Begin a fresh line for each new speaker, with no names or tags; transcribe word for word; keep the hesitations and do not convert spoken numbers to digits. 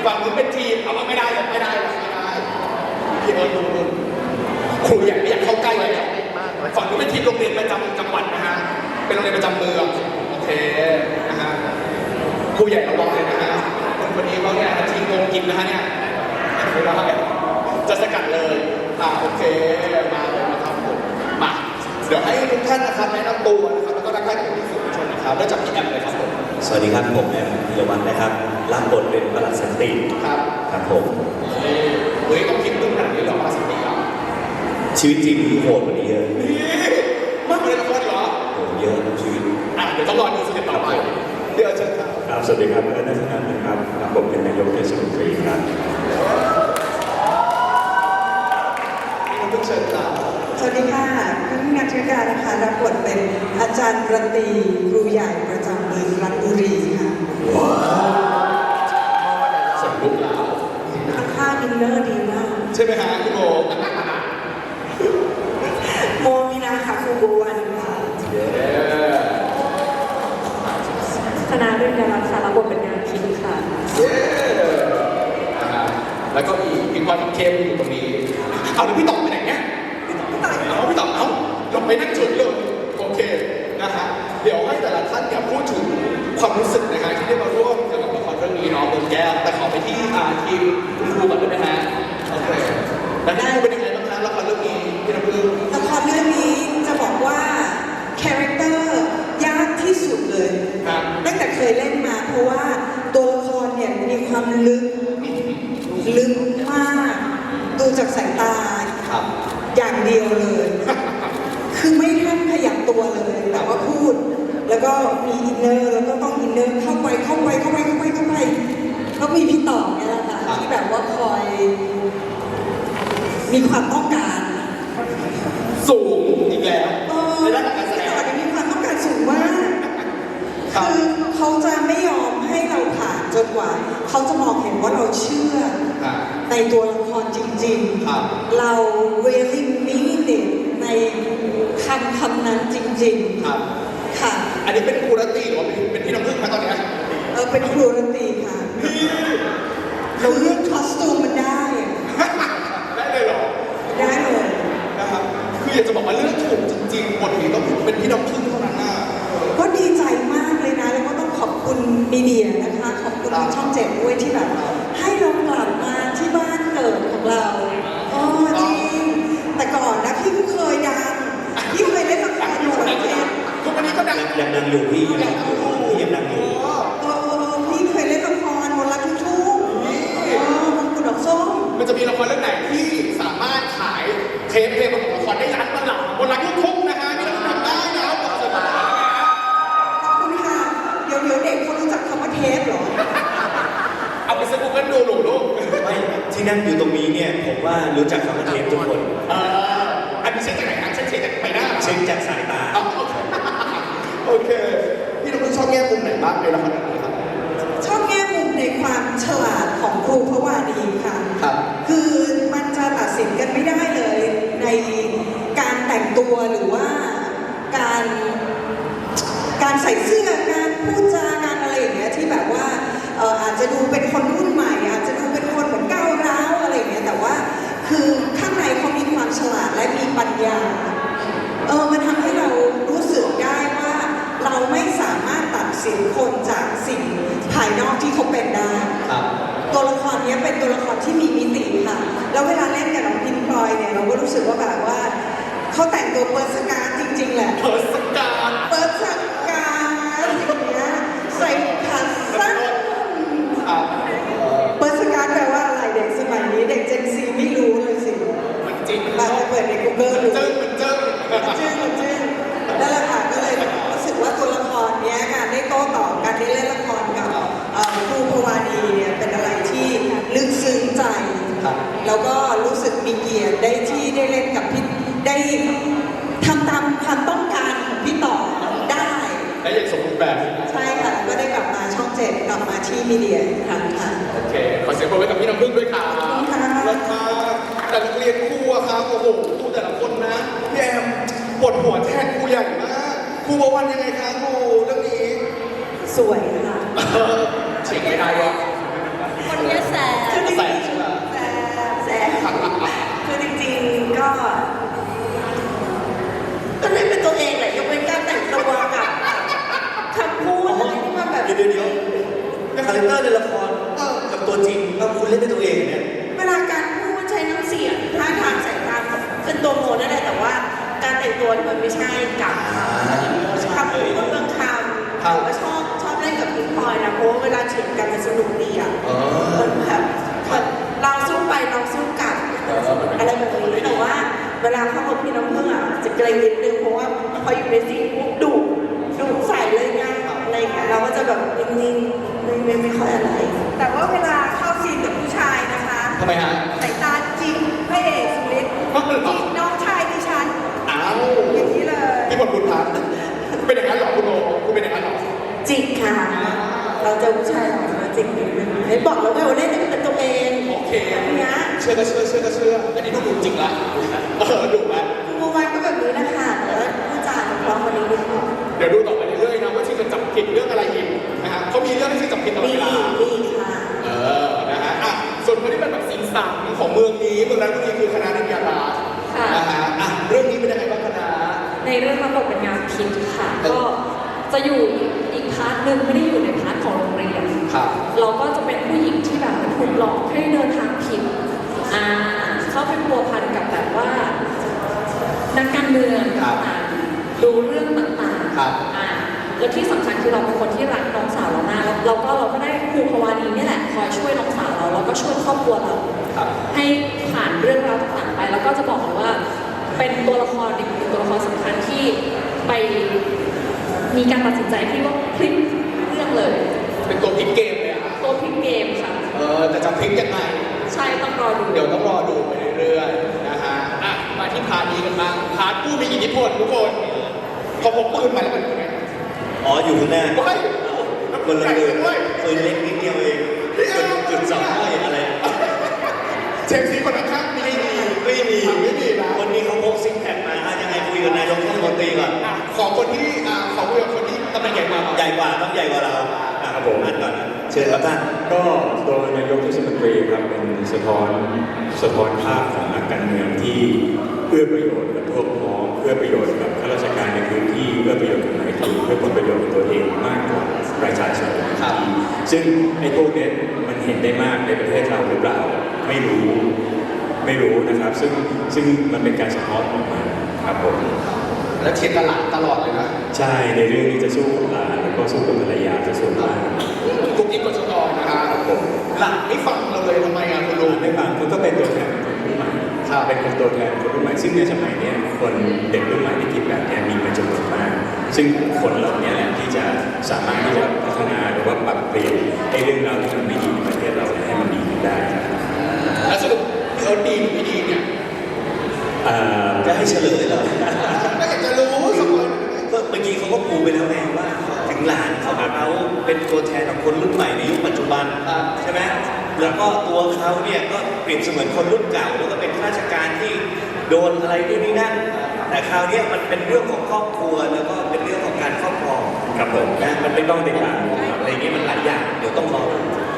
ฝั่งนู้นเป็นทีมเอาว่าไม่ได้ไม่ได้ไม่ได้พี่เอิร์ธดูดูครูใหญ่ไม่อยากเข้าใกล้เลยฝั่งนู้นเป็นทีมโรงเรียนประจำจังหวัดนะฮะเป็นโรงเรียนประจำเมืองโอเคนะฮะครูใหญ่ระวังเลยนะฮะคนคนนี้เขาเนี่ยทีมโกงกินนะฮะเนี่ยไม่ได้จะสกัดเลยอ่าโอเคมาเลยนะครับผมมาเดี๋ยวให้ทุกท่านนะครับแนะนำตัวนะครับแล้วก็ทักทายกับผู้ชมนะครับเริ่มจากพี่แอมเลยครับผม
สวัสดีครับผมแอมธีรวัฒน์นะครับรับบทเป็นปลัดสันติ
ครับ
ครับผม
เฮ้ยต้องคิดตึ้งขนาดนี้หรอปลัดสันติอ่ะ
ชีวิตจริงที่โหดกว่านี้เยอะ
นี่มากเลยละครเหรอ
โหเยอะชีวิต
อ่ะเดี๋ยวต้องรอดูสเต็ปต่อไปเดี๋ยวเชิญครับ
ครับสวัสดีครับเอิร์ธนัทนันท์นะครับรับบทเป็นนายกเทศมนตรีครับ
ทุกเชิญครับ
สวัสดีค่ะคุณนัทธิการนะคะรับบทเป็นอาจารย์ประตรีครูใหญ่ประจำเมืองรัตนบุรีค่ะ
ว้าวสมลุกแล้ว
ค่าอินเนอร์ดีมาก
ใช่ไหมฮะคุณโม
โมมีนาค่ะครูบัววันค่ะ
คณะเรื่องดาราศาสตร์รับบทเป็นงานคิดค่ะ
เย้แล้วก็มีพี่ควานพี่เข้มอยู่ตรงนี้เอาแล้วพี่ต๋องไปไหนเนี่ยพี่ต๋องเอาพี่ต๋องเอาลงไปนั่งจุดเลยโอเคนะฮะเดี๋ยวให้แต่ละท่านเนี่ยพูดถึงความรู้สึกนะฮะที่ได้มาร่วมเกี่ยวกับละครเรื่องนี้เนาะเมืองแก้วแต่ขอไปที่ทีมคุณครูก่อนได้ไหมฮะโอเคแล้วคุณครูเป็นยังไงบ้างคะละครเรื่องนี้พี่น้ำพึ่ง
ละครเรื่องนี้จะบอกว่าคาแรคเตอร์ยากที่สุดเลยตั้งแต่เคยเล่นมาเพราะว่าตัวละครเนี่ยมีความลึกลึกมากดูจากสายตาอย่างเดียวเลยคือไม่ทันขยับตัวเลยแต่ว่าพูดแล้วก็มีอินเนอร์แล้วก็ต้องอินเนอร์เข้าไปเข้าไปเข้าไปเข้าไปเข้าไปแล้วมีพี่ต่อเนี่ยแหละค่ะที่แบบว่าคอยมีความต้องการ
สูงอีกแล้ว
ในด้านการแสดงมีความต้องการสูงมากคือเขาจะไม่ยอมให้เราผ่านจนกว่าเขาจะมองเห็นว่าเราเชื่อในตัวละครจริงๆเรา really mean it ในคำคำนั้นจริงๆค่ะ
อันนี้เป็นครูรัตตีหรือว่าเป็นพี่น้ำพึ่งคะตอนนี้
เออเป็นครูรัตตีค่ะเราเลือกคอสตูมมันได้
ได้เลยเหรอ
ได้เลย
นะครับคืออยากจะบอกว่าเลือกถูกจริงๆบทนี้ต้องเป็นพี่น้ำพึ่งเท่านั้นนะ
ก็ดีใจมากเลยนะแล้วก็ต้องขอบคุณมีเดียนะคะขอบคุณช่องเจ็ดด้วยที่แบบให้เรากลับมาที่บ้านเกิดของเราอ๋อจริงแต่ก่อนนะพี่ก็เคยดังพี่เคยเล่นละครอยู่ประเทศ
ทุกวันนี้ก็ดัง
ยังดังอยู่พี่ยังดังอยู่พี่ยังดังอยู่
เออพี่เคยเล่นละครมนต์รักทุกทุกอ๋อมงกุฎดอกส้ม
มันจะมีละครเรื่องไหนที่สามารถขายเทปเพลงประกอบละครได้ล้านตลับมนต์รักทุกทุกนะฮะนี่เราทำได้นะบอกเลยว่า
ขอบคุณค่ะเดี๋ยวเดี๋ยวเด็กเขารู้จักคำว่าเทปหรอ
เอาไปสกู๊ปกันดูหนูลูก
ไม่ที่นั่งอยู่ตรงนี้เนี่ยผมว่ารู้จักคำว่าเทปทุกคน
เอออันนี้เช็คจากไหนครับเช็คจากใบหน้า
เช็คจากสายตา
โอเคพี่น้องชอบแง่มุมไหนบ้างในละครเรื่องนี้ครับ
ชอบแง่มุมในความฉลาดของครูพระวานีค่ะ
ครับ
คือมันจะตัดสินกันไม่ได้เลยในการแต่งตัวหรือว่าการการใส่เสื้อการพูดจาการอะไรอย่างเงี้ยที่แบบว่าเอออาจจะดูเป็นคนรุ่นใหม่อาจจะดูเป็นคนเหมือนก้าวร้าวอะไรอย่างเงี้ยแต่ว่าคือข้างในเขามีความฉลาดและมีปัญญาเออมันทำให้เรารู้สึกได้ว่าเราไม่สามารถตัดสินคนจากสิ่งภายนอกที่เขาเป็นได้ตัวละครนี้เป็นตัวละครที่มีมิติค่ะแล้วเวลาเล่นกับน้องพิมพลอยเนี่ยเราก็รู้สึกว่าแบบว่าเขาแต่งตัวเปิดสการจริงๆแหละ
เปิดสการ
เปิดสการอย่างเงี้ยใส่ขาสั้นเปิดสการแปลว่าอะไรเด็กสมัยนี้เด็กเจนซีไม่รู้เลยสิ
มันจริง
มาเปิดใน Google ดู
มันเจอมันเจอ
มันเจอมันเจอนั่นแหละค่ะก็เลยรู้สึกว่าตัวละครนี้การได้โต้ตอบการได้เล่นละครกับครูพวานีเนี่ยเป็นอะไรที่ลึกซึ้งใจแล้วก็รู้สึกมีเกียรติได้ที่ได้เล่นกับพี่ได้ทำตามความต้องการของพี่ต่อได้
ได้อย่างสมบูรณ์แบบ
ใช่ค่ะก็ได้กลับมาช่องเจ็ดกลับมาที่มีเดียอีกครั้งค่ะ
โอเคขอเสียงปรบมือกับพี่น้ำพึ่งด้วยค่ะแล้วมาแต่นักเรียนครูอะครับโอ้โหครูแต่ละคนนะพี่แอมปวดหัวแทนครูใหญ่มากครูบวันยังไงคะครูเรื่องนี้
สวยค่ะ
เฉียงไม่ได้วะ
คนนี้แสบ
เตอร์ในละครกับตัวจริงแล้วคุณเล่นเป็นตัวเองเนี่ย
เวลาการพูดใช้น้ำเสียงท่าทางสายตาเป็นตัวโมนั่นแหละแต่ว่าการแต่งตัวมันไม่ใช่กับคำพูดเรื่องคำแต่ว่าชอบชอบเล่นกับพิงพลอยนะเพราะว่าเวลาเถียงกันมันสนุกดีอ่ะมันแบบแบบเราสู้ไปเราสู้กลับอะไรแบบนี้แต่ว่าเวลาเข้ากับพี่น้ำพึ่งอ่ะจะเกรงนิดนึงเพราะว่าพออยู่ในซีนปุ๊บดุดุใส่เลยไงอะไรอย่างเงี้ยเราก็จะแบบนิ่งๆไม่ไม่ไม่ค่อยอะไร แต่ว่าเวลาเข้าซีนกับผู้ชายนะคะ
ทำไมฮะ
สายตาจริงพระเอกสุริศจริงน้องชายดิฉัน
อ้าว
อย่างนี้เลย
พี่บทบุญพันธ์เป็นอย่างนั้นเหรอคุณโอคุณเป็นอย่างนั้นเหรอ
จริงค่ะ เราเจอผู้ชายหล่อมาจริงนิดนึงเห็นบอกแล้วไงว่าเล่นเป็นตัวเอง
โอเค
อันเนี้ย
เชื่อก็เชื่อเชื่อก็เชื่ออันนี้ดูดุจริงละเออดุละ
คุณโมวันก็แบบนี้นะคะแต่ว่าผู้จาเพราะคนนี้นิดนึง
เดี๋ยวดูต่อไปเรื่อยๆนะว่าที่จะจับผิดเรื่องอะไรอีกนะฮะเขามีเรื่องที่จับผิดตลอด
มี
เวลา
มีค่ะ
เออ นะฮะ อ่ะ ส่วนคนที่เป็นแบบสิงสังของเมืองนี้เมืองนั้นก็คือคณะนิยาลา
ค่ะ
นะฮะ อ่ะ เรื่องนี้เป็นยังไงบ้างคณะ
ในเรื่องรับบทเป็นงานพิษค่ะ ก็จะอยู่อีกพาร์ทหนึ่งไม่ได้อยู่ในพาร์ทของโรงเรียน
ครับ
เราก็จะเป็นผู้หญิงที่แบบถูกหลอกให้เดินทางผิดอ่าเข้าไปพัวพันกับแบบว่านักการเมืองต่างๆดูเรื่องต่างๆ
ครับ
อ่าแล้วที่สำคัญคือเราเป็นคนที่รักน้องสาวเรามากแล้วเราก็เราก็ได้ครูพวานีนี่แหละคอยช่วยน้องสาวเราแล้วก็ช่วยครอบครัวเรา
ครับ
ให้ผ่านเรื่องราวต่างๆไป แล้วก็จะบอกเลยว่าเป็นตัวละครอีกหนึ่งตัวละครสำคัญที่ไปมีการตัดสินใจที่ว่าพลิกเรื่องเลย
เป็นตัวพลิกเกมเลยอ่ะ
ตัวพลิกเกมค่ะ
เออ แต่จะพลิกยังไง
ใช่ต้องรอดู
เดี๋ยวต้องรอดูไปเรื่อยๆ นะฮะ อ่ะ มาที่พาร์ทนี้กันบ้าง พาร์ทผู้มีอิทธิพลทุกคนพอพกปืนมาแล้วมันเป็นไง
อ๋ออยู่ข้างหน้า
ว้ายแล้ว
ค
ปื
น
น
ละ
ใหญ่
ปืน
ด้วย
ปืนเล็กนิดเดียวเองจุดจุดสองห้อยอะไร
เชฟซีคนข้างๆมี
ไม่มีไม่มี
ไม่มีนะ
วันนี้เขาพกซิกแพคมาอ่ะยังไงคุยกับนายกเทศมนตรีก่อน
อ่ะขอคนที่อ่าขอคุยกับคนที่ตำแหน่งใหญ่กว่าหน่อย
ใหญ่กว่าต้องใหญ่กว่าเราอ่ะครับผมอ่านก่อนเชิญครับท่าน
ก็ตัวนายกเทศมนตรีครับเป็นสะท้อนสะท้อนภาพของนักการเมืองที่เอื้อประโยชน์กับพวกพ้องเอื้อประโยชน์กับข้าราชการในพื้นที่เอื้อประโยชน์กับนายทุนเพื่อผลประโยชน์ของตัวเองมากกว่าประชาชนครับซึ่งไอ้พวกเนี้ยมันเห็นได้มากในประเทศเราหรือเปล่าไม่รู้ไม่รู้นะครับ ซึ่งซึ่งมันเป็นการสะท้อนออกมาครับผม
แล้วเทียนตลาดตลอดเลยนะ
ใช่ในเรื่องนี้จะสู้กับหลานแล้วก็สู้กับภรรยาจะส่วนมาก
กุ๊กกิ๊กกดชกรนะคะหลังไม่ฟังเราเลยทำไมอ่ะคุณลุง
ไม่บางคนก็เป็นตัวแทนคนรุ่นใหม่เป็นคนตัวแทนคนรุ่นใหม่ซึ่งในสมัยเนี้ยคนเด็กรุ่นใหม่ที่คิดแบบเนี้ยมีเป็นจำนวนมาก ซึ่งคนเหล่านี้แหละที่จะสามารถที่จะพัฒนาหรือว่าปรับเปลี่ยนให้เรื่องราวที่มันไม่ดีในประเทศเราเนี่ยให้มันดีขึ้นได้ครับ
แล้วสรุปพี่เอิร์ธดีหรือไม่ดีเนี่ย
อ่า
จะให้เฉลยเหรอ
ก็อยากจะรู้สักคน
ก็เมื่อกี้เขาก็ปูไปแล้วไงว่าถึงหลานเขาเขาเป็นตัวแทนของคนรุ่นใหม่ในยุคปัจจุบันใช่ไหมแล้วก็ตัวเขาเนี่ยก็เปรียบเสมือนคนรุ่นเก่าแล้วก็เป็นข้าราชการที่โดนอะไรนู่นนี่นั่นแต่คราวเนี้ยมันเป็นเรื่องของครอบครัวแล้วก็เป็นเรื่องของการครอบครอง
ครับผม
นะมันไม่ต้องติดตามอะไรอย่างเงี้ยมันหลายอย่างเดี๋ยวต้องรอดู